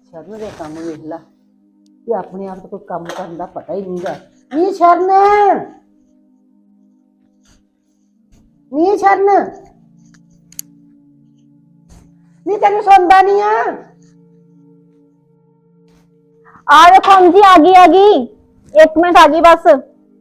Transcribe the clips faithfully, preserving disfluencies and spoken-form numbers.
ਸ਼ਰਨ ਦੇ ਕੰਮ ਵੇਖ ਲਾ ਕਿ ਆਪਣੇ ਆਪ ਤੋਂ ਕੋਈ ਕੰਮ ਕਰਨ ਦਾ ਪਤਾ ਹੀ ਨਹੀਂਗਾ। ਨੀ ਸ਼ਰਨ, ਨੀ ਸ਼ਰਨ, ਨੀ ਤੈਨੂੰ ਸੁਣਦਾ ਨਹੀਂ ਆ? आ देखो हम जी, आ गई आ गई, एक मिनट आ गई बस।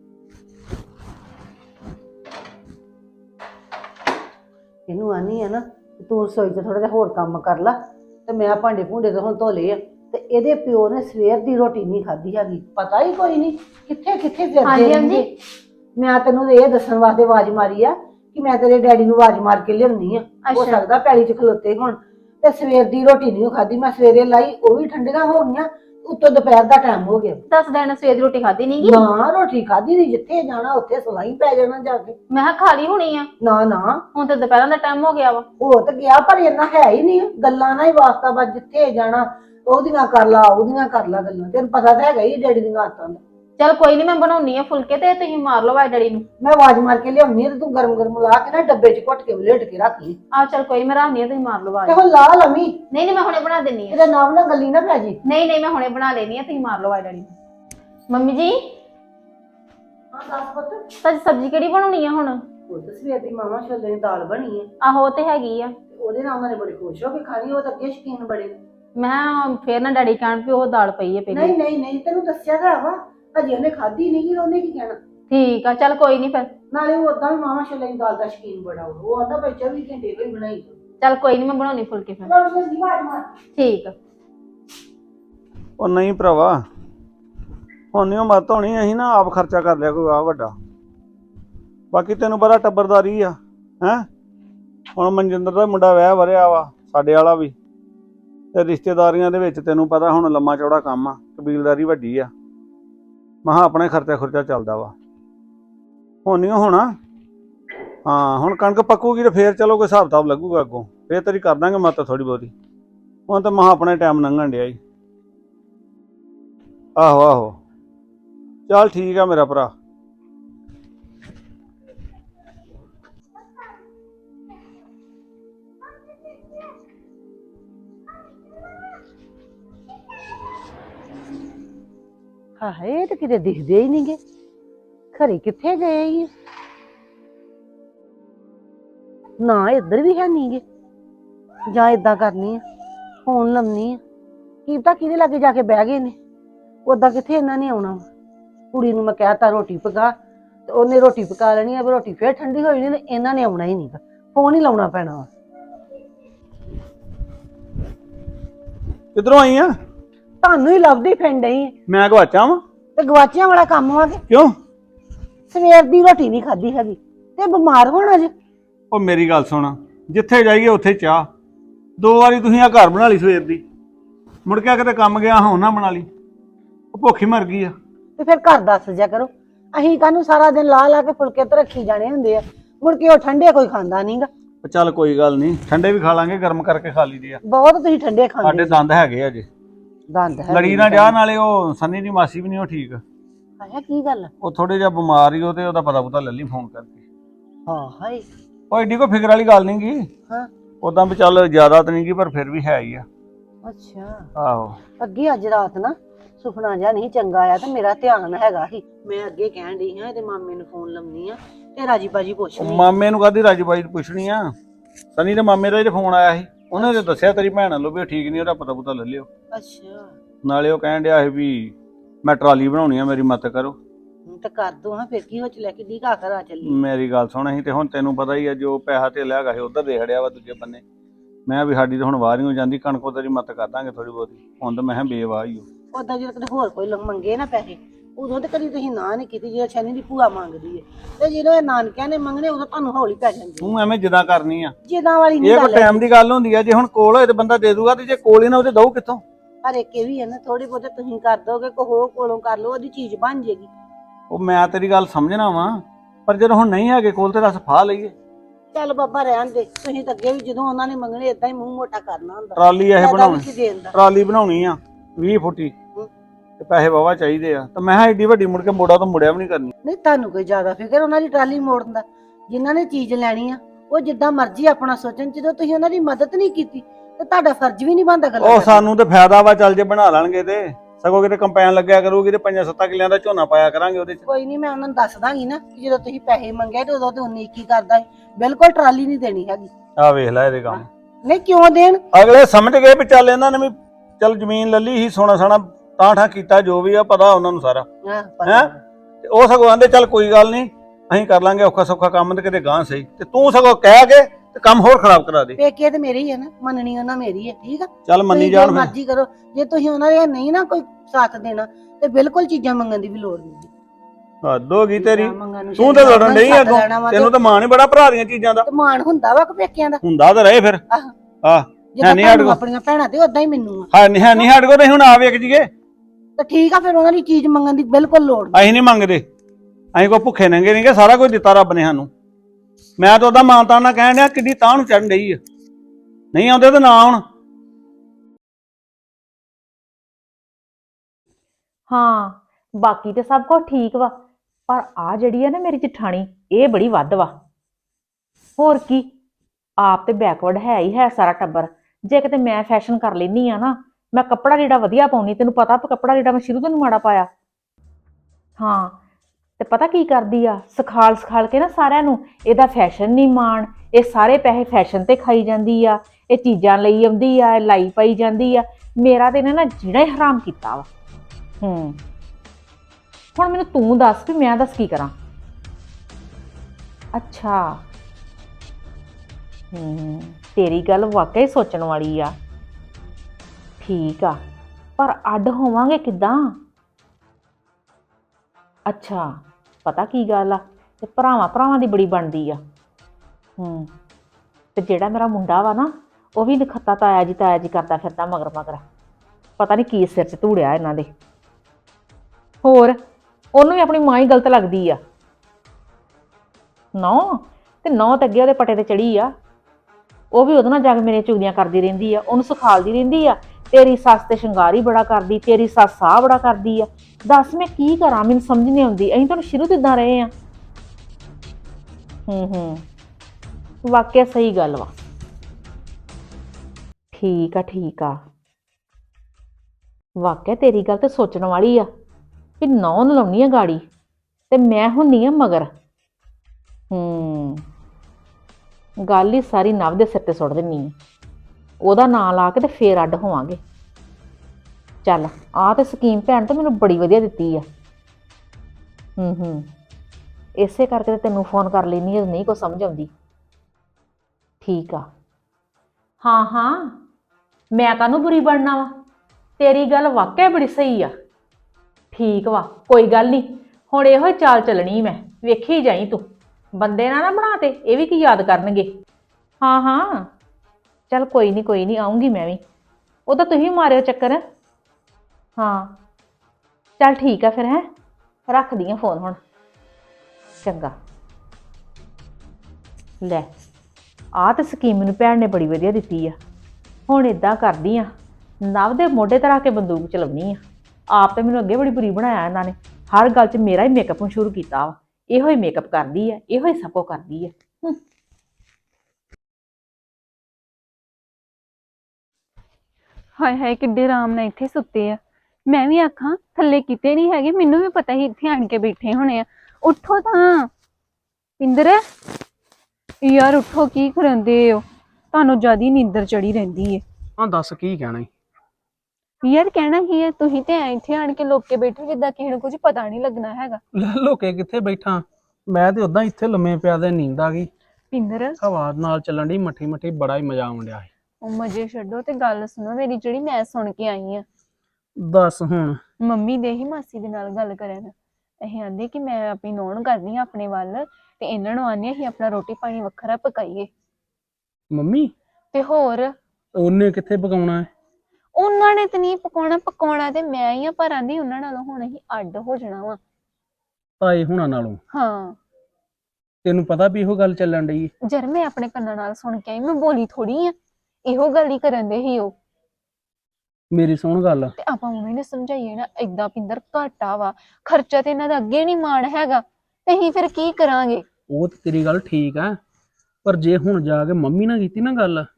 ਇਹਨੂੰ ਆਨੀ ਆ ਨਾ ਤੂੰ ਰਸੋਈ 'ਚ ਥੋੜਾ ਜਿਹਾ ਹੋਰ ਕੰਮ ਕਰ ਲਾ ਤੇ ਮੈਂ ਭਾਂਡੇ ਭੂੰਡੇ ਤੇ ਹੁਣ ਧੋ ਲਏ ਆ। ਤੇ ਇਹਦੇ ਪਿਓ ਨੇ ਸਵੇਰ ਦੀ ਰੋਟੀ ਨਹੀਂ ਖਾਧੀ ਹੈਗੀ, ਪਤਾ ਹੀ ਕੋਈ ਨਹੀਂ ਕਿੱਥੇ ਕਿੱਥੇ ਫਿਰਦੇ ਰਹਿੰਦੇ। ਮੈਂ ਤੈਨੂੰ ਇਹ ਦੱਸਣ ਵਾਸਤੇ ਆਵਾਜ਼ ਮਾਰੀ ਆ ਕਿ ਮੈਂ ਤੇਰੇ ਡੈਡੀ ਨੂੰ ਆਵਾਜ਼ ਮਾਰ ਕੇ ਲਿਆਉਣੀ ਆ। ਹੋ ਸਕਦਾ ਪੈਲੀ 'ਚ ਖਲੋਤੇ ਹੁਣ। ਤੇ ਸਵੇਰ ਦੀ ਰੋਟੀ ਨਹੀਂ ਖਾਧੀ, ਮੈਂ ਸਵੇਰੇ ਲਾਈ ਉਹ ਵੀ ਠੰਡੀਆਂ ਹੋ ਗਈਆਂ, ਉੱਤੋਂ ਦੁਪਹਿਰ ਦਾ ਟਾਈਮ ਹੋ ਗਿਆ। दस दिन सवेर दी रोटी खाधी नहीं? ਨਾ ਰੋਟੀ ਖਾਧੀ ਨਹੀਂ, ਜਿੱਥੇ ਜਾਣਾ ਉੱਥੇ ਸਲਾਈ ਪੈ ਜਾਣਾ ਜਾ ਕੇ। मैं खा ली होनी है, ਨਾ ਨਾ हुण ते दोपहर दा टाइम हो गया वा। ਹੋ ਤਾਂ ਗਿਆ ਪਰ ਇੰਨਾ ਹੈ ਹੀ ਨਹੀਂ, ਗੱਲਾਂ ਨਾਲ ਹੀ ਵਾਸਤਾ ਬਸ ਜਿੱਥੇ ਜਾਣਾ ਉਹਦੀਆਂ ਕਰ ਲਾ ਉਹਦੀਆਂ ਕਰ ਲਾ ਗੱਲਾਂ। ਤੈਨੂੰ ਪਤਾ ਤਾਂ ਹੈਗਾ ਹੀ ਡੈਡੀ ਦੀਆਂ ਆਦਤਾਂ ਦਾ। चल कोई नहीं, मैं बनाउनी है फुलके ते तुसीं मार लो वाई डैडी नूं। ਮੈਂ ਆਵਾਜ਼ ਮਾਰ ਕੇ ਲਿਆਉਣੀ ਆ ਤੇ ਤੂੰ ਗਰਮ ਗਰਮ ਲਾ ਕੇ ਨਾ ਡੱਬੇ 'ਚ ਘੁੱਟ ਕੇ ਵਲੇਟ ਕੇ ਰੱਖ ਲਈ। आ चल कोई, मैं रखनी है, तुसीं मार लो ਤੇ वाई। ਹੁਣ ਲਾ ਲਵੀਂ, नहीं नहीं, मैं हुणे बना देनी है। ਇਹਦੇ ਨਾਮ ਨਾਲ ਗੱਲੀ ਨਾ ਪੈ ਜੀ। नहीं नहीं, मैं हुणे बना लेनी है, तुसीं मार लो वाई डैडी नूं। मम्मी जी ਹਾਂ ਦੱਸ ਪੁੱਤ। सच सब्जी किहड़ी बनाउणी है हुण? ਉਹ ਤਾਂ ਸਵੇਰ ਦੀ ਮਾਵਾਂ ਛੋਲੇ ਦੀ ਦਾਲ ਬਣੀ ਹੈ, आहो ते हैगी आ। ਉਹਦੇ ਨਾਲ ਉਹਨਾਂ ਨੇ ਬੜੇ ਖੁਸ਼ ਹੋ ਕੇ ਖਾਣੀ। ਉਹ ਤਾਂ ਅੱਗੇ ਸ਼ਕੀਨ ਬੜੇ ਨੇ। मैं फिर ना डैडी कहण भी ओह दाल पई है पहले। ਨਹੀਂ ਨਹੀਂ ਨਹੀਂ ਤੈਨੂੰ ਦੱਸਿਆ ਤਾਂ ਵਾ, ਅਜੇ ਉਹਨੇ ਖਾਧੀ ਨਹੀਂ, ਉਹਨੇ ਕੀ ਕਹਿਣਾ। ठीक है, चल कोई नहीं फिर। ਨਾਲੇ ਉਹ ਉਦਾਂ ਵੀ ਮਾਵਾਂ ਛੋਲੇ ਦੀ ਦਾਲ ਦਾ ਸ਼ਕੀਨ ਬੜਾ। ਉਹ ਆਂਦਾ ਭਾਈ ਚੌਵੀ ਘੰਟੇ ਕੋਈ ਬਣਾਈ ਜਾਓ। चल कोई नहीं, मैं बनाउनी फुलके फिर। ਲਓ ਜਲਦੀ ਆਵਾਜ਼ ਮਾਰ। ठीक है। ਉਹ ਨਹੀਂ ਭਰਾਵਾ, ਹੁਣ ਨਹੀਂ ਮੱਤ ਹੋਣੀ, ਅਸੀਂ ਨਾ ਆਪ ਖਰਚਾ ਕਰ ਲਿਆ ਕੋਈ ਆ ਵੱਡਾ। ਬਾਕੀ ਤੈਨੂੰ ਪਤਾ ਟੱਬਰਦਾਰੀ ਆ ਹੈ। ਹੁਣ ਮਨਜਿੰਦਰ ਦਾ ਮੁੰਡਾ ਵਿਆਹ ਵਰਿਆ ਵਾ, ਸਾਡੇ ਵਾਲਾ ਵੀ, ਤੇ ਰਿਸ਼ਤੇਦਾਰੀਆਂ ਦੇ ਵਿੱਚ ਤੈਨੂੰ ਪਤਾ ਹੁਣ ਲੰਮਾ ਚੌੜਾ ਕੰਮ ਆ, ਕਬੀਲਦਾਰੀ ਵੱਡੀ ਆ। ਮਹਾ ਆਪਣਾ ਹੀ ਖਰਚਾ ਖੁਰਚਾ ਚੱਲਦਾ ਵਾ। ਹੁਣ ਨਹੀਂ ਹੋਣਾ। ਹਾਂ ਹੁਣ ਕਣਕ ਪੱਕੂਗੀ ਤੇ ਫੇਰ ਚਲੋ ਕੋਈ ਹਿਸਾਬ ਕਿਤਾਬ ਲੱਗੂਗਾ ਅੱਗੋਂ, ਫੇਰ ਤੇਰੀ ਕਰ ਦਾਂਗੇ ਮੱਤ ਥੋੜੀ ਬਹੁਤੀ। ਹੁਣ ਤਾਂ ਮਹਾ ਆਪਣਾ ਟਾਈਮ ਲੰਘਣ ਡਿਆ ਈ। ਆਹੋ ਆਹੋ ਚੱਲ ਠੀਕ ਆ ਮੇਰਾ ਭਰਾ। ਹਾਏ ਤੇ ਕਿਤੇ ਦਿਖਦੇ ਹੀ ਨਹੀਂਗੇ, ਘਰੇ ਕਿੱਥੇ ਗਏ ਹੀ ਨਾ। ਇੱਧਰ ਵੀ ਹੈ ਨਹੀਂਗੇ। ਜਾਂ ਇਦਾਂ ਕਰਨੀ ਆ, ਫੋਨ ਲਾਉਣੀ ਆ, ਕੀ ਪਤਾ ਕਿਹਦੇ ਲਾਗੇ ਜਾ ਕੇ ਬਹਿ ਗਏ ਨੇ। ਉਦਾਂ ਕਿੱਥੇ ਇਹਨਾਂ ਨੇ ਆਉਣਾ। ਕੁੜੀ ਨੂੰ ਮੈਂ ਕਹਿਤਾ ਰੋਟੀ ਪਕਾ, ਤੇ ਉਹਨੇ ਰੋਟੀ ਪਕਾ ਲੈਣੀ ਆ, ਪਰ ਰੋਟੀ ਫੇਰ ਠੰਡੀ ਹੋ ਜਾਣੀ, ਇਹਨਾਂ ਨੇ ਆਉਣਾ ਹੀ ਨਹੀਂਗਾ। ਫੋਨ ਹੀ ਲਾਉਣਾ ਪੈਣਾ ਵਾ। ਕਿੱਧਰੋਂ ਆਈ ਆ? ਤੁਹਾਨੂੰ ਹੀ ਲੱਭਦੀ ਫਿਰਨ ਡਈ। ਮੈਂ ਗਵਾਚਾ ਵਾਂ ਤੇ ਗਵਾਚਿਆਂ ਵਾਲਾ ਕੰਮ ਵਾ। ਤੇ ਕਿਉਂ? ਸਵੇਰ ਦੀ ਰੋਟੀ ਨਹੀਂ ਖਾਧੀ ਹੈਗੀ ਤੇ ਬਿਮਾਰ ਹੋਣਾ ਜੇ। ਉਹ ਮੇਰੀ ਗੱਲ ਸੁਣ, ਜਿੱਥੇ ਜਾਈਏ ਉੱਥੇ ਚਾਹ। ਦੋ ਵਾਰੀ ਤੁਸੀਂ ਆ ਘਰ ਬਣਾ ਲਈ ਸਵੇਰ ਦੀ, ਮੁੜ ਕੇ ਕਿਤੇ ਕੰਮ ਗਿਆ ਹੁਣ ਨਾ ਬਣਾ ਲਈ। ਉਹ ਭੁੱਖੀ ਮਰ ਗਈ ਆ। ਤੇ ਫਿਰ ਘਰ ਦੱਸ ਜਿਆ ਕਰੋ। ਅਸੀਂ ਕਾਹਨੂੰ ਸਾਰਾ ਦਿਨ ਲਾ ਲਾ ਕੇ ਫੁਲਕੇ ਤੇ ਰੱਖੀ ਜਾਣੇ ਹੁੰਦੇ ਆ, ਮੁੜ ਕੇ ਉਹ ਠੰਡੇ ਕੋਈ ਖਾਂਦਾ ਨਹੀਂਗਾ। ਚੱਲ ਕੋਈ ਗੱਲ ਨਹੀਂ, ਠੰਡੇ ਵੀ ਖਾ ਲਾਂਗੇ, ਗਰਮ ਕਰਕੇ ਖਾ ਲਈਦੇ ਆ। ਬਹੁਤ ਤੁਸੀਂ ਠੰਡੇ ਸਾਡੇ ਖਾਂਦੇ। ਦੰਦ ਹੈਗੇ ਅਜੇ। ਦੰਦ ਹੈ ਲੜੀ ਨਾ ਜਾ, ਨਾਲੇ ਉਹ ਸੰਨੀ ਦੀ ਮਾਸੀ ਵੀ ਨਹੀਂ ਉਹ ਠੀਕ। ਆਇਆ ਕੀ ਗੱਲ? ਉਹ ਥੋੜੇ ਜਿਹਾ ਬਿਮਾਰ ਹੀ ਉਹ, ਤੇ ਉਹਦਾ ਪਤਾ ਪੁਤਾ ਲੈ ਲਈ ਫੋਨ ਕਰਕੇ। ਹਾਂ ਹਾਏ। ਉਹ ਏਡੀ ਕੋਈ ਫਿਕਰ ਵਾਲੀ ਗੱਲ ਨਹੀਂ ਗੀ। ਹਾਂ ਉਦਾਂ ਵੀ ਚੱਲ ਜ਼ਿਆਦਾ ਤਾਂ ਨਹੀਂ ਗੀ, ਪਰ ਫਿਰ ਵੀ ਹੈ ਹੀ ਆ। ਅੱਛਾ। ਆਹੋ ਅੱਗੇ ਅੱਜ ਰਾਤ ਨਾ ਸੁਪਨਾ ਜਿਹਾ ਨਹੀਂ ਚੰਗਾ ਆਇਆ ਤੇ ਮੇਰਾ ਧਿਆਨ ਹੈਗਾ ਸੀ। ਮੈਂ ਅੱਗੇ ਕਹਿਣ ਡਈ ਹਾਂ ਇਹਦੇ ਮਾਮੇ ਨੂੰ ਫੋਨ ਲਾਉਣੀ ਆ ਤੇ ਰਾਜੀ ਬਾਜੀ ਉਹ ਪੁੱਛਣੀ। ਮਾਮੇ ਨੂੰ ਕਾਹਦੀ ਰਾਜੀ ਬਾਜੀ ਪੁੱਛਣੀ ਆ? ਸਨੀ ਦੇ ਮਾਮੇ ਦਾ ਜਿਹੜਾ ਫੋਨ ਆਇਆ ਸੀ, ਉਹਨੇ ਤੇ ਦੱਸਿਆ ਤੇਰੀ ਭੈਣ ਵੱਲੋਂ ਵੀ ਉਹ ਠੀਕ ਨਹੀਂ, ਉਹਦਾ ਪਤਾ ਪੁਤਾ ਲੈ ਲਿਓ। ਅੱਛਾ। ਨਾਲੇ ਉਹ ਕਹਿਣ ਡਿਆ ਸੀ ਵੀ ਮੈਂ ਟਰਾਲੀ ਬਣਾਉਣੀ ਆ, ਮੇਰੀ ਮਦਦ ਕਰੋ। ਤੇ ਕਰ ਦੋ ਹਾਂ, ਫਿਰ ਕੀ ਹੋ ਚ ਲੈ ਕੇ ਦੀ ਘਰ ਆ ਚੱਲੀ। ਮੇਰੀ ਗੱਲ ਸੁਣ, ਅਸੀਂ ਤੇ ਹੁਣ ਤੈਨੂੰ ਪਤਾ ਹੀ ਆ ਜੋ ਪੈਸਾ ਤੇ ਲਿਆਗਾ ਸੀ ਉਧਰ ਦੇ ਖੜਿਆ ਵਾ ਦੂਜੇ ਬੰਨੇ। ਮੈਂ ਵੀ ਸਾਡੀ ਤਾਂ ਹੁਣ ਵਾਰ ਹੀ ਹੋ ਜਾਂਦੀ, ਕਣਕੋਂ ਤੇਰੀ ਮਦਦ ਕਰ ਦਾਂਗੇ ਥੋੜੀ ਬਹੁਤੀ। ਹੁਣ ਤਾਂ ਮੈਂ ਕਿਹਾ ਬੇਵਾਹ ਹੀ ਹੋ। ਉਦਾਂ ਜਦੋਂ ਕਿਤੇ ਹੋਰ ਕੋਈ ਲੋਕ ਮੰਗੇ ਨਾ ਪੈਸੇ, ਉਦੋਂ ਤੇ ਕਦੀ ਤੁਸੀਂ ਨਾ ਨਹੀਂ ਕੀਤੀ। ਜਦੋਂ ਛੈਨੀ ਦੀ ਭੂਆ ਮੰਗਦੀ ਹੈ ਤੇ ਜਦੋਂ ਇਹ ਨਾਨਕਿਆਂ ਨੇ ਮੰਗਣੇ, ਉਦੋਂ ਤੁਹਾਨੂੰ ਹੌਲੀ ਪੈ ਜਾਂਦੀ। ਤੂੰ ਐਵੇਂ ਜਿੱਦਾਂ ਕਰਨੀ ਆ, ਜਿੱਦਾਂ ਵਾਲੀ ਨਹੀਂ ਇਹ ਗੱਲ ਕੋਈ ਟਾਈਮ ਦੀ ਗੱਲ ਹੁੰਦੀ ਆ। ਜੇ ਹੁਣ ਕੋਲ ਹੋਏ ਤੇ ਬੰਦਾ ਦੇ ਦੂਗਾ, ਤੇ ਜੇ ਕੋਲ ਹੀ ਨਾ ਉਹਦੇ ਦਊ ਕਿੱਥੋਂ? ਪਰ ਇੱਕ ਇਹ ਵੀ ਹੈ ਨਾ, ਥੋੜੀ ਬਹੁਤੇ ਤੁਸੀਂ ਕਰ ਦੋਗੇ, ਕੋਹ ਕੋਲੋਂ ਕਰ ਲਓ, ਉਹਦੀ ਚੀਜ਼ ਬਣ ਜੇਗੀ। ਉਹ ਮੈਂ ਤੇਰੀ ਗੱਲ ਸਮਝਣਾ ਵਾ, ਪਰ ਜਦੋਂ ਹੁਣ ਨਹੀਂ ਹੈਗੇ ਕੋਲ ਤੇ ਦੱਸ ਫਾਹ ਲਈਏ। ਚੱਲ ਬਾਬਾ ਰਹਿਣ ਦੇ, ਤੁਸੀਂ ਤਾਂ ਅੱਗੇ ਵੀ ਜਦੋਂ ਉਹਨਾਂ ਨੇ ਮੰਗਣੇ ਏਦਾਂ ਹੀ ਮੂੰਹ ਮੋਟਾ ਕਰਨਾ ਹੁੰਦਾ। ਟਰਾਲੀ ਇਹ ਬਣਾਉਣੀ, ਦੇਣ ਦਾ ਟਰਾਲੀ ਬਣਾਉਣੀ ਆ ਵੀਹ ਫੁੱਟੀ, ਤੇ ਪੈਸੇ ਵਾਵਾ ਚਾਹੀਦੇ ਆ। ਤੇ ਮੈਂ ਕਿਹਾ ਏਡੀ ਵੱਡੀ ਮੁੜ ਕੇ ਮੋੜਾ ਤੋਂ ਮੁੜਿਆ ਵੀ ਨਹੀਂ ਕਰਨੀ। ਨਹੀਂ ਤੁਹਾਨੂੰ ਕੋਈ ਜ਼ਿਆਦਾ ਫਿਕਰ ਉਹਨਾਂ ਦੀ ਟਰਾਲੀ ਮੋੜਨ ਦਾ। ਜਿਨ੍ਹਾਂ ਨੇ ਚੀਜ਼ ਲੈਣੀ ਆ ਉਹ ਜਿੱਦਾਂ ਮਰਜ਼ੀ ਆਪਣਾ ਸੋਚਣ, ਜਦੋਂ ਤੁਸੀਂ ਉਹਨਾਂ ਦੀ ਮਦਦ ਨਹੀਂ ਕੀਤੀ ਤੇ ਤੁਹਾਡਾ ਫਰਜ਼ ਵੀ ਨਹੀਂ ਬਣਦਾ ਗੱਲਾਂ ਉਹ ਕਰਨ ਦਾ। ਸਾਨੂੰ ਤੇ ਫਾਇਦਾ ਵਾ, ਚੱਲ ਜੇ ਬਣਾ ਲੈਣਗੇ ਤੇ ਸਗੋਂ ਕਿਤੇ ਕੰਪੈਨ ਲੱਗਿਆ ਕਰੂਗੀ ਤੇ ਪੰਜਾਂ ਸੱਤਾਂ ਕਿੱਲਿਆਂ ਦਾ ਝੋਨਾ ਪਾਇਆ ਕਰਾਂਗੇ ਉਹਦੇ ਚ। ਕੋਈ ਨਹੀਂ, ਮੈਂ ਉਹਨਾਂ ਨੂੰ ਦੱਸ ਦਾਂਗੀ ਨਾ ਕਿ ਜਦੋਂ ਤੁਸੀਂ ਪੈਸੇ ਮੰਗੇ ਤੇ ਉਦੋਂ ਤੇ ਉਨੀ ਕੀ ਕਰਦਾ ਸੀ। ਬਿਲਕੁਲ ਟਰਾਲੀ ਨਹੀਂ ਦੇਣੀ ਹੈਗੀ। ਆ ਵੇਖ ਲੈ ਇਹਦੇ ਕੰਮ। ਨਹੀਂ ਕਿਉਂ ਦੇਣ? ਅਗਲੇ ਸਮਝ ਗਏ ਵੀ ਚੱਲ ਇਹਨਾਂ ਨੇ ਵੀ ਚੱਲ ਜ਼ਮੀਨ ਲੱਲੀ ਹੀ, ਸੋਨਾ ਸਾਨਾ ਤਾਂ ਠਾ ਕੀਤਾ, ਜੋ ਵੀ ਆ ਪਤਾ ਉਹਨਾਂ ਨੂੰ ਸਾਰਾ ਹਾਂ ਪਤਾ ਹੈ। ਤੇ ਉਹ ਸਗੋਂ ਆਂਦੇ ਚੱਲ ਕੋਈ ਗੱਲ ਨਹੀਂ, ਅਸੀਂ ਕਰ ਲਾਂਗੇ ਔਖਾ ਸੌਖਾ ਕੰਮ ਤੇ ਕਿਤੇ ਗਾਂ ਸਹੀ। ਤੇ ਤੂੰ ਸਗੋਂ ਕਹਿ ਕੇ ਤੇ ਕੰਮ ਹੋਰ ਖਰਾਬ ਕਰਾ ਦੇ। ਪੇਕੇ ਤੇ ਮੇਰੀ ਹੈ ਨਾ, ਮੰਨਣੀ ਉਹਨਾਂ ਮੇਰੀ ਹੈ, ਠੀਕ ਆ। ਚੱਲ ਮੰਨੀ ਤੁਸੀਂ ਜਾਣ ਜੋ ਫਿਰ। ਮਰਜ਼ੀ ਕਰੋ, ਜੇ ਤੁਸੀਂ ਉਹਨਾਂ ਦੇ ਨਹੀਂ ਨਾ ਕੋਈ ਸਾਥ ਦੇਣਾ ਤੇ ਬਿਲਕੁਲ ਚੀਜ਼ਾਂ ਮੰਗਣ ਦੀ ਵੀ ਲੋੜ ਨਹੀਂ। ਹੱਦ ਹੋ ਗਈ ਤੇਰੀ। ਮੰਗਣ ਨੂੰ ਤੂੰ ਤੇ ਸ਼ਰਮ ਲੜਨ ਨਹੀਂ ਸੱਦ ਅੱਗੋਂ, ਲੈਣਾ ਵਾ ਤੇ- ਤੈਨੂੰ ਤਾਂ ਮਾਣ ਹੀ ਬੜਾ ਭਰਾ ਦੀਆਂ ਚੀਜ਼ਾਂ ਦਾ। ਤੇ ਮਾਣ ਹੁੰਦਾ ਵਾ ਕਿ ਪੇਕਿਆਂ ਦਾ ਹੁੰਦਾ ਤਾਂ ਰਹੇ ਫਿਰ। ਆਹ ਆਹ ਜਿੱਦਾਂ ਨਹੀਂ ਤੁਹਾਨੂੰ ਹਟਕੋ। ਆਪਣੀਆਂ ਭੈਣਾਂ ਤੇ ਉਦਾਂ ਹੀ ਮੈਨੂੰ ਆ। ਹਾਂ ਨਹੀਂ, ਹੈ ਨਹੀਂ ਸਾਡੇ ਕੋਲ, ਤੇ ਹੁਣ ਆ ਵੇਖ ਜੀਏ। ਤੇ ਠੀਕ ਆ, ਫਿਰ ਉਹਨਾਂ ਦੀ ਚੀਜ਼ ਮੰਗਣ ਦੀ ਬਿਲਕੁਲ ਲੋੜ ਨਹੀਂ। ਅਸੀਂ ਨਹੀਂ ਮੰਗਦੇ, ਅਸੀਂ ਕੋਈ ਭੁੱਖੇ ਨੰਗੇ ਨਹੀਂਗੇ, ਸਾਰਾ ਕੁਝ ਦਿੱਤਾ ਰੱਬ ਨੇ ਸਾਨੂੰ। ਮੈਂ ਤਾਂ ਉਹਦਾ ਮਾਨਤਾ ਨਾਲ ਕਹਿਣ ਡਿਆ, ਕਿੱਡੀ ਤਾਂ ਨੂੰ ਚੜਨ ਡਈ ਆ। ਨਹੀਂ ਆਉਂਦੇ ਤਾਂ ਨਾ ਆਉਣ। ਹਾਂ ਬਾਕੀ ਤੇ ਸਭ ਕੁਝ ਠੀਕ ਵਾ, ਪਰ ਆ ਜਿਹੜੀ ਆ ਨਾ ਮੇਰੀ ਜਠਾਣੀ, ਇਹ ਬੜੀ ਵੱਧ ਵਾ। ਹੋਰ ਕੀ, ਆਪ ਤੇ ਬੈਕਵਰਡ ਹੈ ਹੀ ਹੈ ਸਾਰਾ ਟੱਬਰ। ਜੇ ਕਿਤੇ ਮੈਂ ਫੈਸ਼ਨ ਕਰ ਲੈਨੀ ਆ ਨਾ, ਮੈਂ ਕੱਪੜਾ ਜਿਹੜਾ ਵਧੀਆ ਪਾਉਣੀ, ਤੈਨੂੰ ਪਤਾ ਕੱਪੜਾ ਜਿਹੜਾ ਮੈਂ ਸ਼ੁਰੂ ਤੋਂ ਨੀ ਮਾੜਾ ਪਾਇਆ। ਹਾਂ ਤੇ ਪਤਾ ਕੀ ਕਰਦੀ ਆ, ਸਿਖਾਲ ਸਿਖਾਲ ਕੇ ਨਾ ਸਾਰਿਆਂ ਨੂੰ ਇਹਦਾ ਫੈਸ਼ਨ ਨਹੀਂ ਮਾਣ, ਇਹ ਸਾਰੇ ਪੈਸੇ ਫੈਸ਼ਨ ਤੇ ਖਾਈ ਜਾਂਦੀ ਆ, ਇਹ ਚੀਜ਼ਾਂ ਲਈ ਆਉਂਦੀ ਆ, ਇਹ ਲਾਈ ਪਾਈ ਜਾਂਦੀ ਆ। ਮੇਰਾ ਤੇ ਇਹਨੇ ਨਾ ਜਿਹੜਾ ਹੀ ਹਰਾਮ ਕੀਤਾ ਵਾ। ਹੂੰ ਹੁਣ ਮੈਨੂੰ ਤੂੰ ਦੱਸ ਵੀ ਮੈਂ ਦੱਸ ਕੀ ਕਰਾਂ। ਅੱਛਾ ਹੂੰ ਤੇਰੀ ਗੱਲ ਵਾਕਈ ਸੋਚਣ ਵਾਲੀ ਆ। ਠੀਕ ਆ, ਪਰ ਅੱਡ ਹੋਵਾਂਗੇ ਕਿੱਦਾਂ? ਅੱਛਾ ਪਤਾ ਕੀ ਗੱਲ ਆ, ਤੇ ਭਰਾਵਾਂ ਭਰਾਵਾਂ ਦੀ ਬੜੀ ਬਣਦੀ ਆ। ਹੂੰ ਤੇ ਜਿਹੜਾ ਮੇਰਾ ਮੁੰਡਾ ਵਾ ਨਾ, ਉਹ ਵੀ ਨਖੱਤਾ ਤਾਇਆ ਜੀ ਤਾਇਆ ਜੀ ਕਰਦਾ ਫਿਰਦਾ ਮਗਰ ਮਗਰ। ਪਤਾ ਨਹੀਂ ਕੀ ਸਿਰ 'ਚ ਧੂੜਿਆ ਇਹਨਾਂ ਦੇ। ਹੋਰ ਉਹਨੂੰ ਵੀ ਆਪਣੀ ਮਾਂ ਹੀ ਗਲਤ ਲੱਗਦੀ ਆ। ਨੌ ਤੇ ਨੌ ਤੇ ਅੱਗੇ ਉਹਦੇ ਪਟੇ ਤੇ ਚੜੀ ਆ। ਉਹ ਵੀ ਉਹਦੇ ਨਾਲ ਜਾ ਕੇ ਮੇਰੀਆਂ ਚੁਗਲੀਆਂ ਕਰਦੀ ਰਹਿੰਦੀ ਆ, ਉਹਨੂੰ ਸਿਖਾਲਦੀ ਰਹਿੰਦੀ ਆ, ਤੇਰੀ ਸੱਸ ਤੇ ਸ਼ਿੰਗਾਰ ਹੀ ਬੜਾ ਕਰਦੀ, ਤੇਰੀ ਸੱਸ ਆਹ ਬੜਾ ਕਰਦੀ ਆ। ਦੱਸ ਮੈਂ ਕੀ ਕਰਾਂ, ਮੈਨੂੰ ਸਮਝ ਨਹੀਂ ਆਉਂਦੀ। ਅਸੀਂ ਤੁਹਾਨੂੰ ਸ਼ੁਰੂ ਤੋਂ ਇਦਾਂ ਰਹੇ ਆ। ਹੂੰ ਹੂੰ ਵਾਕਿਆ ਸਹੀ ਗੱਲ ਵਾ। ਠੀਕ ਆ ਠੀਕ ਆ, ਵਾਕਿਆ ਤੇਰੀ ਗੱਲ ਤੇ ਸੋਚਣ ਵਾਲੀ ਆ ਕਿ ਨੌ ਨੂੰ ਲਾਉਣੀ ਆ ਗਾੜੀ ਤੇ ਮੈਂ ਹੁੰਨੀ ਆ ਮਗਰ। ਹੂੰ ਗੱਲ ਹੀ ਸਾਰੀ ਨਵ ਦੇ ਸਿਰ ਤੇ ਸੁੱਟ ਦਿੰਨੀ ਆ, ਉਹਦਾ ਨਾਂ ਲਾ ਕੇ ਤੇ ਫੇਰ ਅੱਡ ਹੋਵਾਂਗੇ। ਚੱਲ ਆਹ ਤੇ ਸਕੀਮ ਭੈਣ ਤੇ ਮੈਨੂੰ ਬੜੀ ਵਧੀਆ ਦਿੱਤੀ ਆ। ਹੂੰ ਹੂੰ ਇਸੇ ਕਰਕੇ ਤੇ ਤੈਨੂੰ ਫੋਨ ਕਰ ਲੈਣੀ ਆ, ਨਹੀਂ ਕੁਛ ਸਮਝ ਆਉਂਦੀ। ਠੀਕ ਆ, ਹਾਂ ਹਾਂ ਮੈਂ ਕਾਹਨੂੰ ਬੁਰੀ ਬਣਨਾ ਵਾ, ਤੇਰੀ ਗੱਲ ਵਾਕਿਆ ਬੜੀ ਸਹੀ ਆ। ਠੀਕ ਵਾ, ਕੋਈ ਗੱਲ ਨਹੀਂ, ਹੁਣ ਇਹੋ ਹੀ ਚਾਲ ਚੱਲਣੀ ਮੈਂ, ਵੇਖੀ ਜਾਈ ਤੂੰ। ਬੰਦੇ ਨਾ ਨਾ ਬਣਾ ਤੇ ਇਹ ਵੀ ਕੀ ਯਾਦ ਕਰਨਗੇ। ਹਾਂ ਹਾਂ ਚੱਲ ਕੋਈ ਨਹੀਂ ਕੋਈ ਨਹੀਂ, ਆਉਂਗੀ ਮੈਂ ਵੀ। ਉਹਦਾ ਤੁਸੀਂ ਮਾਰਿਓ ਚੱਕਰ। ਹਾਂ ਚੱਲ ਠੀਕ ਆ ਫਿਰ, ਹੈਂ ਰੱਖਦੀ ਆ ਫੋਨ ਹੁਣ। ਚੰਗਾ। ਲੈ ਆਹ ਤੇ ਸਕੀਮ ਮੈਨੂੰ ਭੈਣ ਨੇ ਬੜੀ ਵਧੀਆ ਦਿੱਤੀ ਆ। ਹੁਣ ਇਦਾਂ ਕਰਦੀ ਆ, ਨਵ ਦੇ ਮੋਢੇ ਤੇ ਰੱਖ ਕੇ ਬੰਦੂਕ ਚਲਾਉਣੀ ਆ। ਆਪ ਤੇ ਮੈਨੂੰ ਅੱਗੇ ਬੜੀ ਬੁਰੀ ਬਣਾਇਆ ਇਹਨਾਂ ਨੇ, ਹਰ ਗੱਲ 'ਚ ਮੇਰਾ ਹੀ ਮੇਕਅਪ ਸ਼ੁਰੂ ਕੀਤਾ ਵਾ। ਇਹੋ ਹੀ ਮੇਕਅਪ ਕਰਦੀ ਆ, ਇਹੋ ਹੀ ਸਭ ਕੁਝ ਕਰਦੀ ਆ। ਹਾਏ ਹਾਏ ਕਿੱਡੇ ਆਰਾਮ ਨਾਲ ਇੱਥੇ ਸੁੱਤੇ ਆ। ਮੈਂ ਵੀ ਆਖਾਂ ਥੱਲੇ ਕਿਤੇ ਨਹੀਂ ਹੈਗੇ, ਮੈਨੂੰ ਵੀ ਪਤਾ ਹੀ ਇੱਥੇ ਆਣ ਕੇ ਬੈਠੇ ਹੋਣੇ ਆ। ਉੱਠੋ ਤਾਂ ਪਿੰਦਰ, ਯਾਰ ਉੱਠੋ, ਕੀ ਕਰਾਂਦੇ ਹੋ? ਤੁਹਾਨੂੰ ਜਿਆਦੀ ਨੀਂਦਰ ਚੜੀ ਰਹਿੰਦੀ ਏ। ਹਾਂ ਦੱਸ ਕੀ ਕਹਿਣਾ ਈ? ਯਾਰ ਕਹਿਣਾ ਕੀ ਹੈ, ਤੁਸੀਂ ਤੇ ਇੱਥੇ ਆਣ ਕੇ ਲੁੱਕ ਕੇ ਬੈਠੇ ਜਿੱਦਾਂ ਕਿਸੇ ਨੂੰ ਕੁਝ ਪਤਾ ਨਹੀਂ ਲੱਗਣਾ ਹੈਗਾ। ਲੈ ਲੋਕੇ ਕਿੱਥੇ ਬੈਠਾ, ਮੈਂ ਤੇ ਉਦਾਂ ਇੱਥੇ ਲੰਮੇ ਪਿਆ ਦੇ ਨੀਂਦ ਆ ਗਈ। ਪਿੰਦਰ ਹਵਾ ਨਾਲ ਚੱਲਣ ਦੀ ਮੱਠੀ ਮੱਠੀ, ਬੜਾ ਹੀ ਮਜ਼ਾ ਆਉਣ ਡਿਆ ਸੀ। ਉਹ ਮਜ਼ੇ ਛੱਡੋ ਤੇ ਗੱਲ ਸੁਣੋ ਮੇਰੀ, ਜਿਹੜੀ ਮੈਂ ਸੁਣ ਕੇ ਆਈ ਆ। ਦੱਸ ਹੁਣ। ਮੰਮੀ ਦੇ ਹੀ ਮਾਸੀ ਦੇ ਨਾਲ ਗੱਲ ਕਰਨ, ਅਸੀਂ ਆਂਦੇ ਕਿ ਮੈਂ ਆਪਣੀ ਨੂੰਹ ਨੂੰ ਕਰਦੀ ਆ ਆਪਣੇ ਵੱਲ, ਤੇ ਇਹਨਾਂ ਨੂੰ ਆਨੇ ਅਸੀਂ ਆਪਣਾ ਰੋਟੀ ਪਾਣੀ ਵੱਖਰਾ ਪਕਾਈਏ। ਮੰਮੀ ਤੇ ਹੋਰ ਉਹਨੇ ਕਿੱਥੇ ਪਕਾਉਣਾ ਹੈ? ਉਹਨਾਂ ਨੇ ਤੇ ਨਹੀਂ ਪਕਾਉਣਾ, ਪਕਾਉਣਾ ਤੇ ਮੈਂ ਹੀ ਆ, ਪਰ ਆਂਦੀ ਉਹਨਾਂ ਨਾਲੋਂ ਹੁਣ ਅਸੀਂ ਅੱਡ ਹੋ ਜਾਣਾ ਵਾ। ਤਾਏ ਹੁਣਾਂ ਨਾਲੋਂ? ਹਾਂ। ਤੈਨੂੰ ਪਤਾ ਵੀ ਇਹੋ ਗੱਲ ਚੱਲਣ ਡਈ? ਜਰ ਮੈਂ ਆਪਣੇ ਕੰਨਾਂ ਨਾਲ ਸੁਣ ਕੇ ਆਈ, ਮੈਂ ਬੋਲੀ ਥੋੜੀ ਆ, ਇਹੋ ਗੱਲ ਹੀ ਕਰਨ ਦੇ ਹੀ ਉਹ। ਮੇਰੀ ਸੁਣ ਗੱਲ। ਤੇ ਆਪਾਂ ਮੰਮੀ ਨੇ ਸਮਝਾਈਏ ਨਾ, ਏਦਾਂ ਪਿੰਦਰ ਘਾਟਾ ਵਾ, ਖਰਚਾ ਤੇ ਇਹਨਾਂ ਦਾ ਅੱਗੇ ਨਹੀਂ ਮਾਣ ਹੈਗਾ, ਤੇ ਅਸੀਂ ਫਿਰ ਕੀ ਕਰਾਂਗੇ? ਉਹ ਤੇ ਤੇਰੀ ਗੱਲ ਠੀਕ ਆ, ਪਰ ਜੇ ਹੁਣ ਜਾ ਕੇ ਮੰਮੀ ਨਾਲ ਕੀਤੀ ਨਾ ਗੱਲ, ਹੂੰ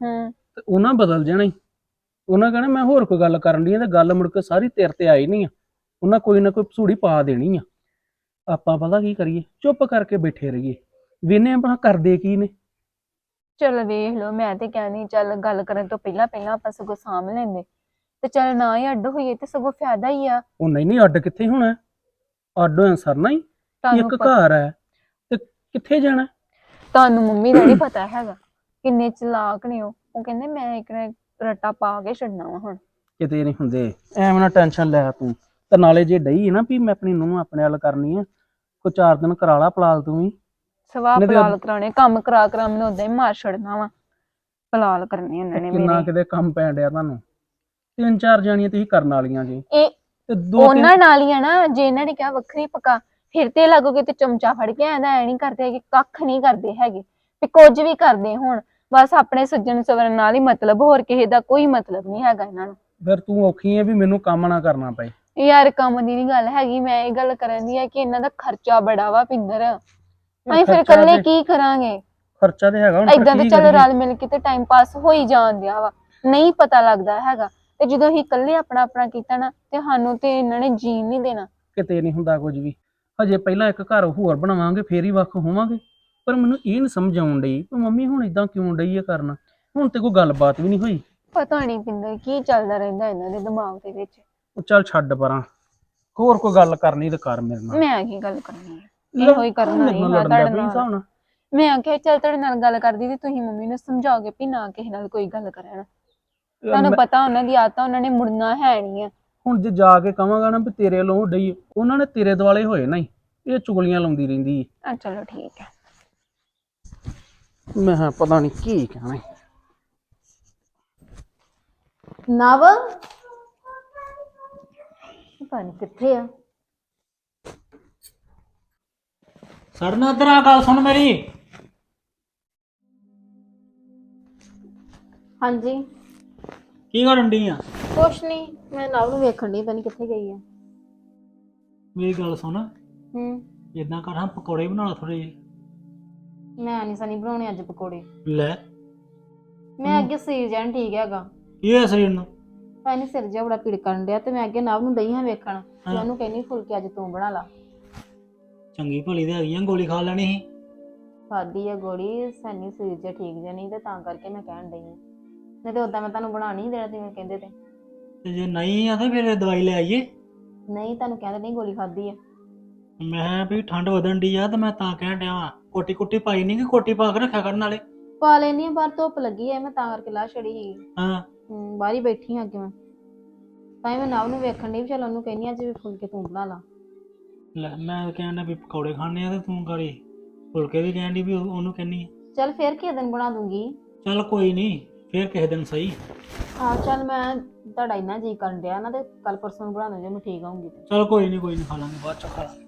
ਤੇ ਉਹਨਾਂ ਬਦਲ ਜਾਣਾ ਹੀ। ਉਹਨਾਂ ਕਹਿਣਾ ਮੈਂ ਹੋਰ ਕੋਈ ਗੱਲ ਕਰਨ ਲਈ ਆ ਤੇ ਗੱਲ ਮੁੜ ਕੇ ਸਾਰੀ ਤੇਰੇ ਤੇ ਆਈ ਨਹੀਂ ਆ। ਉਹਨਾਂ ਕੋਈ ਨਾ ਕੋਈ ਭਸੂੜੀ ਪਾ ਦੇਣੀ ਆ। ਆਪਾਂ ਪਤਾ ਕੀ ਕਰੀਏ, ਚੁੱਪ ਕਰਕੇ ਬੈਠੇ ਰਹੀਏ, ਵੇਨੇ ਆਪਾਂ ਕਰਦੇ ਕੀ ਨੇ। ਚਲ ਵੇਖ ਲਓ, ਮੈਂ ਤੇ ਕਹਿੰਦੀ ਚੱਲ ਗੱਲ ਕਰਨ ਤੋਂ ਪਹਿਲਾਂ ਪਹਿਲਾਂ ਆਪਾਂ ਸਗੋਂ ਸਾਂਭ ਲੈਂਦੇ ਤੇ ਚੱਲ ਨਾ ਹੀ ਅੱਡ ਹੋਈਏ ਤੇ ਸਗੋਂ ਫਾਇਦਾ ਹੀ ਆ। ਉਹ ਨਹੀਂ ਨਹੀਂ ਅੱਡ ਕਿੱਥੇ ਹੋਣਾ, ਅੱਡ ਹੋਇਆ ਸਰਨਾ ਹੀ। ਤੁਹਾਨੂੰ ਇੱਕ ਪਤਾ ਘਰ ਹੈ ਤੇ ਕਿੱਥੇ ਜਾਣਾ। ਤੁਹਾਨੂੰ ਮੰਮੀ ਦਾ ਨਹੀਂ ਪਤਾ ਹੈਗਾ ਕਿੰਨੇ ਚਲਾਕ ਨੇ ਉਹ ਉਹ ਕਹਿੰਦੇ ਮੈਂ ਇੱਕ ਨਾ ਰੱਟਾ ਪਾ ਕੇ ਛੱਡਣਾ ਵਾ ਹੁਣ। ਕਿਤੇ ਨਹੀਂ ਹੁੰਦੇ, ਐਵੇਂ ਨਾ ਟੈਨਸ਼ਨ ਲੈ ਤੂੰ। ਤੇ ਨਾਲੇ ਜੇ ਡਈ ਨਾ ਵੀ ਮੈਂ ਆਪਣੀ ਨੂੰਹ ਆਪਣੇ ਵੱਲ ਕਰਨੀ ਆ, ਕੋਈ ਚਾਰ ਦਿਨ ਕਰਾ ਲਾ ਪਲਾਲ ਤੂੰ ਵੀ। ਸਵਾਹ ਨਹੀਂ ਤੇ ਪਲਾਲ ਕਰਾਉਣੇ, ਕੰਮ ਕਰਾ ਕਰਾ ਮੈਨੂੰ ਉਦਾਂ ਹੀ ਮਾਰ ਛੱਡਣਾ ਵਾ। ਪਲਾਲ ਕਰਨੇ ਉਹਨਾਂ ਨੇ ਕਿੰਨਾ ਮੇਰੇ। ਕਿਤੇ ਕੰਮ ਪੈਣ ਡਿਆ ਤੁਹਾਨੂੰ। ਤਿੰਨ ਚਾਰ ਜਾਣੀਆਂ ਤੁਸੀਂ ਕਰਨ ਵਾਲੀਆਂ ਜੀ ਇਹ ਤੇ ਦੋ ਤਿੰਨ ਉਹਨਾਂ ਨਾਲ ਹੀ ਆ ਨਾ, ਜੇ ਇਹਨਾਂ ਨੇ ਕਿਹਾ ਵੱਖਰੀ ਪਕਾ ਫਿਰ ਤੇ ਲੱਗੋਗੇ ਤੇ ਚਮਚਾ ਫੜ ਕੇ ਆਂਦਾ ਐ ਨਹੀਂ ਕਰਦੇ ਹੈਗੇ, ਕੱਖ ਨਹੀਂ ਕਰਦੇ ਹੈਗੇ ਵੀ ਕੁਝ ਵੀ ਕਰਦੇ ਹੁਣ ਬਸ ਆਪਣੇ ਸੱਜਣ ਸਵਰਨ ਨਾਲ ਹੀ ਮਤਲਬ, ਹੋਰ ਕਿਸੇ ਦਾ ਕੋਈ ਮਤਲਬ ਨਹੀਂ ਹੈਗਾ ਇਹਨਾਂ ਨੂੰ। ਫਿਰ ਤੂੰ ਔਖੀ ਹੈ ਵੀ ਮੈਨੂੰ ਕੰਮ ਨਾ ਕਰਨਾ ਪਏ। ਯਾਰ ਕੰਮ ਦੀ ਨਹੀਂ ਗੱਲ ਹੈਗੀ, ਮੈਂ ਇਹ ਗੱਲ ਕਰਨ ਦੀ ਆ ਕਿ ਇਹਨਾਂ ਦਾ ਖਰਚਾ ਬੜਾ ਵਾ ਪਿੰਦਰ। ਅਸੀਂ ਫਿਰ ਖਰਚਾ ਇਕੱਲੇ ਤੇ- ਕੀ ਕਰਾਂਗੇ। ਖਰਚਾ ਤੇ ਹੈਗਾ ਹੁਣ ਫਿਰ ਏਦਾਂ ਤੇ ਕੀ ਚੱਲ ਕਰੀਏ? ਰਲ ਮਿਲ ਕੇ ਤੇ ਟਾਈਮ ਪਾਸ ਹੋ ਹੀ ਜਾਣ ਦਿਆ ਵਾ, ਨਹੀਂ ਪਤਾ ਲੱਗਦਾ ਹੈਗਾ। ਤੇ ਜਦੋਂ ਅਸੀਂ ਇਕੱਲੇ ਆਪਣਾ ਆਪਣਾ ਕੀਤਾ ਨਾ ਤੇ ਸਾਨੂੰ ਤੇ ਇਹਨਾਂ ਨੇ ਜੀਣ ਨਹੀਂ ਦੇਣਾ। ਕਿਤੇ ਨਹੀਂ ਹੁੰਦਾ ਕੁਝ ਵੀ। ਹਜੇ ਪਹਿਲਾਂ ਇੱਕ ਘਰ ਹੋਰ ਬਣਾਵਾਂਗੇ ਫੇਰ ਹੀ ਵੱਖ ਹੋਵਾਂਗੇ। ਪਰ ਮੈਨੂੰ ਇਹ ਨਹੀਂ ਸਮਝ ਆਉਣ ਡਈ ਵੀ ਮੰਮੀ ਹੁਣ ਇਦਾਂ ਕਿਉਂ ਡਈ ਹੈ ਕਰਨਾ। ਹੁਣ ਤੇ ਕੋਈ ਗੱਲਬਾਤ ਵੀ ਨਹੀਂ ਹੋਈ। ਪਤਾ ਨਹੀਂ ਪਿੰਦਰ ਕੀ ਚੱਲਦਾ ਰਹਿੰਦਾ ਇਹਨਾਂ ਦੇ ਦਿਮਾਗ ਦੇ ਵਿੱਚ। ਉਹ ਚੱਲ ਛੱਡ ਪਰਾਂ, ਹੋਰ ਕੋਈ ਗੱਲ ਕਰਨੀ ਤੇ ਕਰ ਮੇਰੇ ਨਾਲ। ਮੈਂ ਕੀ ਗੱਲ ਕਰਨੀ ਹੈ, ਇਹੋ ਹੀ ਕਰਨਾ ਮੇਰੇ ਹੀ ਨਾਲ ਹਾਂ ਲੜਨ ਤੁਹਾਡੇ ਲੱਗ ਪਈ ਹਿਸਾਬ ਨਾਲ। ਨਾਲ। ਮੈਂ ਆਖਿਆ ਚੱਲ ਤੁਹਾਡੇ ਨਾਲ ਗੱਲ ਕਰਦੀ ਤੇ ਤੁਸੀਂ ਮੰਮੀ ਨੂੰ ਸਮਝਾਓਗੇ ਵੀ ਨਾ ਕਿਸੇ ਨਾਲ ਕੋਈ ਗੱਲ ਕਰਨ। ਤੁਹਾਨੂੰ ਪਤਾ ਉਹਨਾਂ ਦੀ ਆਦਤ, ਉਹਨਾਂ ਨੇ ਮੁੜਨਾ ਹੈ ਨਹੀਂ ਆ। ਹੁਣ ਜੇ ਜਾ ਕੇ ਕਵਾਂਗਾ ਨਾ ਵੀ ਤੇਰੇ ਵੱਲੋਂ ਡਈ, ਉਹਨਾਂ ਨੇ ਤੇਰੇ ਦੁਆਲੇ ਹੋਏ ਨਾ ਹੀ। ਇਹ ਚੁਗਲੀਆਂ ਲਾਉਂਦੀ ਰਹਿੰਦੀ ਹੈ। ਆ ਚਲੋ ਠੀਕ ਹੈ। ਮੈਂ ਕਿਹਾ ਪਤਾ ਨਹੀਂ ਕੀ ਕਹਿਣਾ। ਨਵ ਪਤਾ ਨੀ ਕਿੱਥੇ ਆ। ਸੜਨਾ ਇੱਧਰ ਆ, ਗੱਲ ਸੁਣ ਮੇਰੀ। ਹਾਂਜੀ ਕੀ ਕਰਨ ਡਈ ਆ? ਕੁਛ ਨਹੀਂ, ਮੈਂ ਨਵ ਨੂੰ ਵੇਖਣ ਦੀ, ਪਤਾ ਨੀ ਕਿੱਥੇ ਗਈ ਆ। ਮੇਰੀ ਗੱਲ ਸੁਣ, ਹੂੰ ਇਦਾਂ ਕਰ ਹਾਂ ਪਕੌੜੇ ਬਣਾ ਲਾ ਥੋੜੇ ਜਿਹੇ। ਮੈਂ ਨਹੀਂ ਸਨੀ ਬਣਾਉਣੇ ਅੱਜ ਪਕੌੜੇ। ਲੈ ਮੈਂ ਅੱਗੇ ਸਰੀਰ ਜਾਨ ਠੀਕ ਹੈਗਾ, ਕੀ ਹੋਇਆ ਸਰੀਰ ਨੂੰ? ਪਤਾ ਨੀ ਸਿਰ ਜਿਹਾ ਬੜਾ ਪੀੜ ਕਰਨ ਡਿਆ ਤੇ ਮੈਂ ਅੱਗੇ ਨਵ ਨੂੰ ਦਈ ਹਾਂ ਵੇਖਣ ਤੇ ਹਾਂ। ਉਹਨੂੰ ਕਹਿੰਦੀ ਫੁਲਕੇ ਅੱਜ ਤੂੰ ਬਣਾ ਲਾ। ਚੰਗੀ ਭਲੀ ਤੇ ਹੈਗੀ ਆ, ਗੋਲੀ ਖਾ ਲੈਣੀ ਸੀ। ਖਾਦੀ ਆ ਗੋਲੀ, ਸਨੀ ਸਰੀਰ ਜਿਹਾ ਠੀਕ ਜਿਹਾ ਨਹੀਂ ਤੇ ਤਾਂ ਕਰਕੇ ਮੈਂ ਕਹਿਣ ਡਈ ਹਾਂ। ਨਹੀਂ ਤੇ ਉਦਾਂ ਮੈਂ ਤੁਹਾਨੂੰ ਬਣਾ ਨਹੀਂ ਦੇਣਾ ਜਿਵੇਂ ਕਹਿੰਦੇ ਤੇ। ਤੇ ਜੇ ਨਹੀਂ ਆ ਤਾਂ ਫਿਰ ਦਵਾਈ ਲੈ ਆਈਏ। ਨਹੀਂ ਤੁਹਾਨੂੰ ਕਹਿੰਦੇ ਨਹੀਂ ਗੋਲੀ ਖਾਦੀ ਆ। ਮੈਂ ਵੀ ਠੰਡ ਵਧਣ ਡਈ ਆ ਤੇ ਮੈਂ ਤਾਂ ਕਹਿਣ ਡਿਆ ਵਾਂ, ਕੋਟੀ ਕੁੱਟੀ ਪਾਈ ਨਹੀਂ ਕਿ ਕੋਟੀ ਪਾ ਕੇ ਰੱਖਿਆ ਕਰਨ ਨਾਲੇ। ਪਾ ਲੈਣੀ ਆ, ਬਾਹਰ ਧੁੱਪ ਲੱਗੀ ਐ ਮੈਂ ਤਾਂ ਕਰਕੇ ਲਾ ਛੜੀ ਸੀ। ਹਾਂ ਹੂੰ ਬਾਹਰ ਹੀ ਬੈਠੀ ਹਾਂ ਅੱਗੇ ਮੈਂ, ਤਾਂ ਹੀ ਮੈਂ ਨਵ ਨੂੰ ਵੇਖਣ ਡਈ ਵੀ ਚੱਲ ਉਹਨੂੰ ਕਹਿੰਦੀ ਅੱਜ ਵੀ ਫੁਲਕੇ ਤੂੰ ਬਣਾ ਲਾ। ਲੈ ਮੈਂ ਕਹਿਣ ਡਿਆ ਵੀ ਪਕੌੜੇ ਖਾਣੇ ਆ ਤੇ ਤੂੰ ਗਾੜੀ ਫੁਲਕੇ ਵੀ ਕਹਿਣ ਡਈ ਵੀ ਉਹ- ਉਹਨੂੰ ਕਹਿੰਨੀ ਆ। ਚੱਲ ਫੇਰ ਕਿਸੇ ਦਿਨ ਬਣਾ ਦੂੰਗੀ। ਚੱਲ ਕੋਈ ਨਹੀਂ, ਫੇਰ ਕਿਸੇ ਦਿਨ ਸਹੀ। ਹਾਂ ਚੱਲ ਮੈਂ ਤੁਹਾਡਾ ਇੰਨਾ ਜੀ ਕਰਨ ਡਿਆ ਨਾ ਤੇ ਕੱਲ ਪਰਸੋਂ ਨੂੰ ਬਣਾ ਦੂੰ ਜੇ ਮੈਂ ਠੀਕ ਆਉਂਗੀ ਤੇ। ਚੱਲ ਕੋਈ ਨਹੀਂ ਕੋਈ ਨਹੀਂ, ਖਾ ਲਾਂਗੇ ਬਾਅਦ ਚ ਖਾ ਲਾਂਗੇ।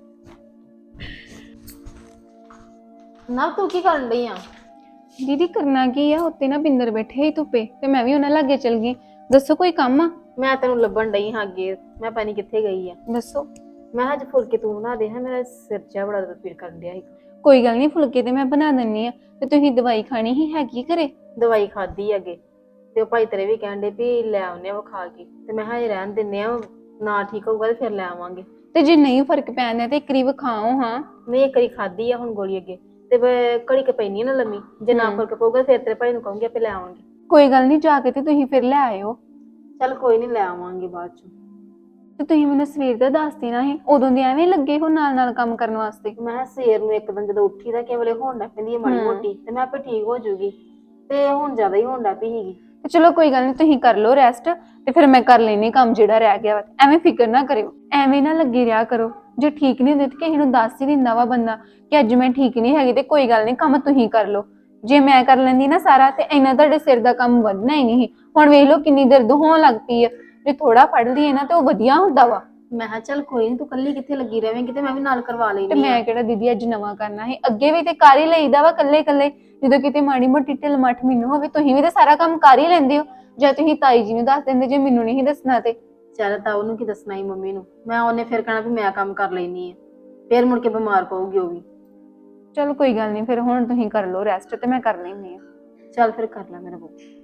ਨਵ ਤੂੰ ਕੀ ਕਰਨ ਡਈ ਆ? ਦੀਦੀ ਕਰਨਾ ਕੀ ਆ, ਉੱਤੇ ਨਾ ਪਿੰਦਰ ਬੈਠੇ ਹੀ ਧੁੱਪੇ ਤੇ ਮੈਂ ਵੀ ਉਹਨਾਂ ਲਾਗੇ ਚਲ ਗਈ। ਦੱਸੋ ਕੋਈ ਕੰਮ ਆ? ਮੈਂ ਤੈਨੂੰ ਲੱਭਣ ਡਈ ਹਾਂ ਅੱਗੇ, ਮੈਂ ਪਤਾ ਨੀ ਕਿੱਥੇ ਗਈ ਆ। ਦੱਸੋ। ਮੈਂ ਕਿਹਾ ਅੱਜ ਫੁਲਕੇ ਤੂੰ ਬਣਾ ਦੇ, ਹਾਂ ਮੇਰਾ ਸਿਰ ਜਿਹਾ ਬੜਾ ਦਰਦ ਪੀੜ ਕਰਨ ਡਿਆ ਸੀ। ਕੋਈ ਗੱਲ ਨਹੀਂ, ਫੁਲਕੇ ਤੇ ਮੈਂ ਬਣਾ ਦਿੰਨੀ ਆ ਤੇ ਤੁਸੀਂ ਦਵਾਈ ਖਾਣੀ ਹੀ ਹੈਗੀ ਘਰੇ? ਦਵਾਈ ਖਾਧੀ ਅੱਗੇ ਤੇ ਉਹ ਭਾਈ ਤੇਰੇ ਵੀ ਕਹਿਣ ਡੇ ਵੀ ਲੈ ਆਉਨੇ ਆ ਵਿਖਾ ਕੇ, ਤੇ ਮੈਂ ਕਿਹਾ ਇਹ ਰਹਿਣ ਦਿੰਨੇ ਆ, ਨਾ ਠੀਕ ਹੋਊਗਾ ਤੇ ਫਿਰ ਲੈ ਆਵਾਂਗੇ। ਤੇ ਜੇ ਨਹੀਂ ਫਰਕ ਪੈਂਦਾ ਤੇ ਇੱਕ ਵਾਰੀ ਵਿਖਾਓ ਹਾਂ। ਨਹੀਂ ਇੱਕ ਵਾਰੀ ਖਾਧੀ ਆ ਹੁਣ ਗੋਲੀ ਅੱਗੇ, ਤੇ ਮੈਂ ਘੜੀ ਕੇ ਪੈਣੀ ਨਾ ਲੰਮੀ, ਜੇ ਨਾ ਹਮ। ਫਰਕ ਪਊਗਾ ਫਿਰ ਤੇਰੇ ਭਾਈ ਨੂੰ ਕਹੂੰਗੀ ਆਪੇ ਲੈ ਆਉਣਗੇ। ਕੋਈ ਗੱਲ ਨਹੀਂ, ਜਾ ਕੇ ਤੇ ਤੁਸੀਂ ਫਿਰ ਲੈ ਆਇਓ। ਚੱਲ ਕੋਈ ਨਹੀਂ ਲੈ ਆਵਾਂਗੇ ਬਾਅਦ ਚ। ਤੇ ਤੁਸੀਂ ਮੈਨੂੰ ਸਵੇਰ ਦਾ ਦੱਸ ਦੇਣਾ ਸੀ, ਉਦੋਂ ਦੇ ਐਵੇਂ ਲੱਗੇ ਹੋ ਨਾਲ ਨਾਲ ਕੰਮ ਕਰਨ ਵਾਸਤੇ। ਮੈਂ ਕਿਹਾ ਸਵੇਰ ਨੂੰ ਇੱਕ ਦਿਨ ਜਦੋਂ ਉੱਠੀ ਦਾ ਕੇਵਲੇ ਹੋਣ ਲੱਗ ਪੈਂਦੀ ਹੈ ਮਾੜੀ ਹਮ। ਮੋਟੀ, ਤੇ ਮੈਂ ਆਪੇ ਠੀਕ ਹੋ ਜਾਊਗੀ, ਤੇ ਹੁਣ ਜ਼ਿਆਦਾ ਹੀ ਹੋਣ ਲੱਗ ਪਈ ਸੀਗੀ। ਤੇ ਚਲੋ ਕੋਈ ਗੱਲ ਨਹੀਂ, ਤੁਸੀਂ ਕਰ ਲਓ ਰੈਸਟ ਤੇ ਫਿਰ ਮੈਂ ਕਰ ਲੈਣੀ ਕੰਮ ਜਿਹੜਾ ਰਹਿ ਗਿਆ ਵਾ। ਐਵੇਂ ਫਿਕਰ ਨਾ ਕਰਿਓ, ਐਵੇਂ ਨਾ ਲੱਗੀ ਰਿਹਾ ਕਰੋ। ਜੇ ਠੀਕ ਨਹੀਂ ਹੁੰਦੇ ਤੇ ਕਿਸੇ ਨੂੰ ਦੱਸ ਹੀ ਦਿੰਦਾ ਵਾ ਬੰਦਾ ਕਿ ਅੱਜ ਮੈਂ ਠੀਕ ਨਹੀਂ ਹੈਗੀ, ਤੇ ਕੋਈ ਗੱਲ ਨਹੀਂ ਕੰਮ ਤੁਸੀਂ ਕਰ ਲਓ। ਜੇ ਮੈਂ ਕਰ ਲੈਂਦੀ ਨਾ ਸਾਰਾ ਤੇ ਇੰਨਾ ਤੁਹਾਡੇ ਸਿਰ ਦਾ ਕੰਮ ਵਧਣਾ ਹੀ ਨਹੀਂ। ਹੁਣ ਵੇਖ ਲਓ ਕਿੰਨੀ ਦਰਦ ਹੋਣ ਲੱਗ ਪਈ ਆ। ਜੇ ਥੋੜਾ ਪੜ ਲਈਏ ਨਾ ਤੇ ਉਹ ਵਧੀਆ ਹੁੰਦਾ ਵਾ। ਮੈਂ ਕਿਹਾ ਚੱਲ ਕੋਈ ਨੀ, ਤੂੰ ਕੱਲੀ ਕਿੱਥੇ ਲੱਗੀ ਰਵੇਂਗੀ, ਤੇ ਮੈਂ ਵੀ ਨਾਲ ਕਰਵਾ ਤੇ ਲੈਣੀ ਮੈਂ ਕਿਹੜਾ ਦੀਦੀ ਅੱਜ ਨਵਾਂ ਕਰਨਾ ਸੀ, ਅੱਗੇ ਵੀ ਤੇ ਕਰ ਹੀ ਲਈਦਾ ਵਾ ਕੱਲੇ ਕੱਲੇ। ਜਦੋਂ ਕਿਤੇ ਮਾੜੀ ਮੋਟੀ ਢਿੱਲ ਮੱਠ ਮੈਨੂੰ ਹੋਵੇ, ਤੁਸੀਂ ਵੀ ਤੇ ਸਾਰਾ ਕੰਮ ਕਰ ਹੀ ਲੈਂਦੇ ਹੋ। ਜਾਂ ਤੁਸੀਂ ਤਾਈ ਜੀ ਨੂੰ ਦੱਸ ਦਿੰਦੇ ਜੇ ਮੈਨੂੰ ਨਹੀਂ ਦੱਸਣਾ ਤੇ। ਚੱਲ ਤਾਂ ਉਹਨੂੰ ਕੀ ਦੱਸਣਾ ਹੀ ਮੰਮੀ ਨੂੰ, ਮੈਂ ਉਹਨੇ ਫਿਰ ਕਹਿਣਾ ਵੀ ਮੈਂ ਕੰਮ ਕਰ ਲੈਣੀ ਆ, ਫਿਰ ਮੁੜ ਕੇ ਬਿਮਾਰ ਪਊਗੀ ਉਹ ਵੀ। ਚਲੋ ਕੋਈ ਗੱਲ ਨਹੀਂ, ਫਿਰ ਹੁਣ ਤੁਸੀਂ ਕਰ ਲਓ ਰੈਸਟ ਤੇ ਮੈਂ ਕਰ ਲੈਂਦੀ ਹਾਂ। ਚੱਲ ਫਿਰ ਕਰ ਲੈ ਮੇਰਾ ਬੋ।